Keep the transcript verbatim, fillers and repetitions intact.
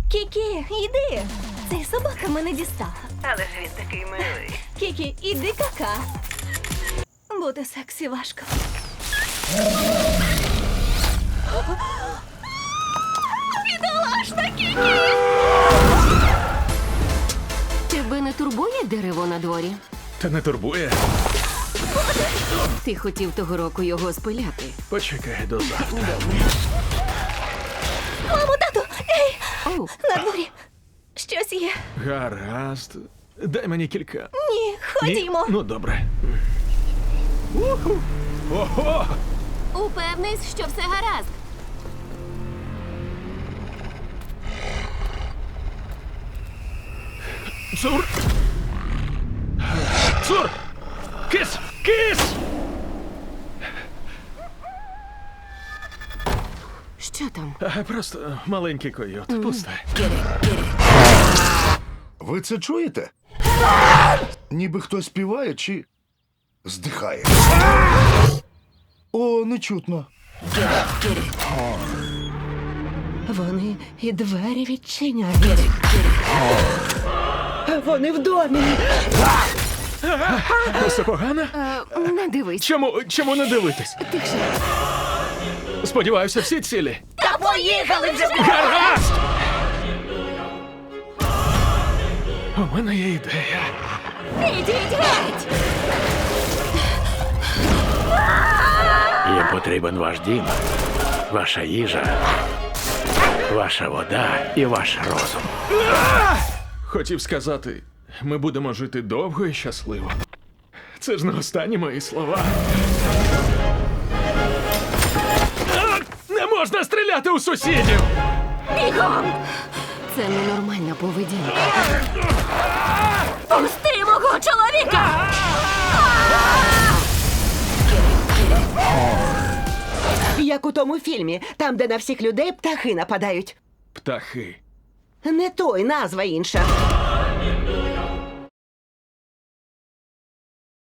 Кікі, іди. Цей собака мене дістала. Але ж він такий милий. Кікі, іди кака. Бути сексі важко. Бідолашна Кікі! Тебе не турбує дерево на дворі? Та не турбує. Ти хотів того року його спиляти. Почекай до завтра. Мамо, тату! Ей! Оу, На дворі! Щось є. Гаразд. Дай мені кілька. Ні, Ні? ходімо. Ну, добре. Уху. Ого! упевнись, що все гаразд. Цур! Цур! Кис! Кис! Що там? А, просто маленький койот. Пусте. Ви це чуєте? Ніби хтось співає чи здихає. О, не чутно. Вони і двері відчиняють. Вони в домі. Все погано? Е, не дивись. Чому, чому не дивитись? Тихше. Сподіваюся, всі цілі. Та поїхали вже! Гаразд! У мене є ідея. Ідіть геть! Їм потрібен ваш дім, ваша їжа, ваша вода і ваш розум. Хотів сказати, ми будемо жити довго і щасливо. Це ж не останні мої слова. А! Не можна стріляти у сусідів! Бігом! Це ненормальна поведінка. Пусти мого чоловіка! Як у тому фільмі, там, де на всіх людей птахи нападають. Птахи. Не той, назва інша.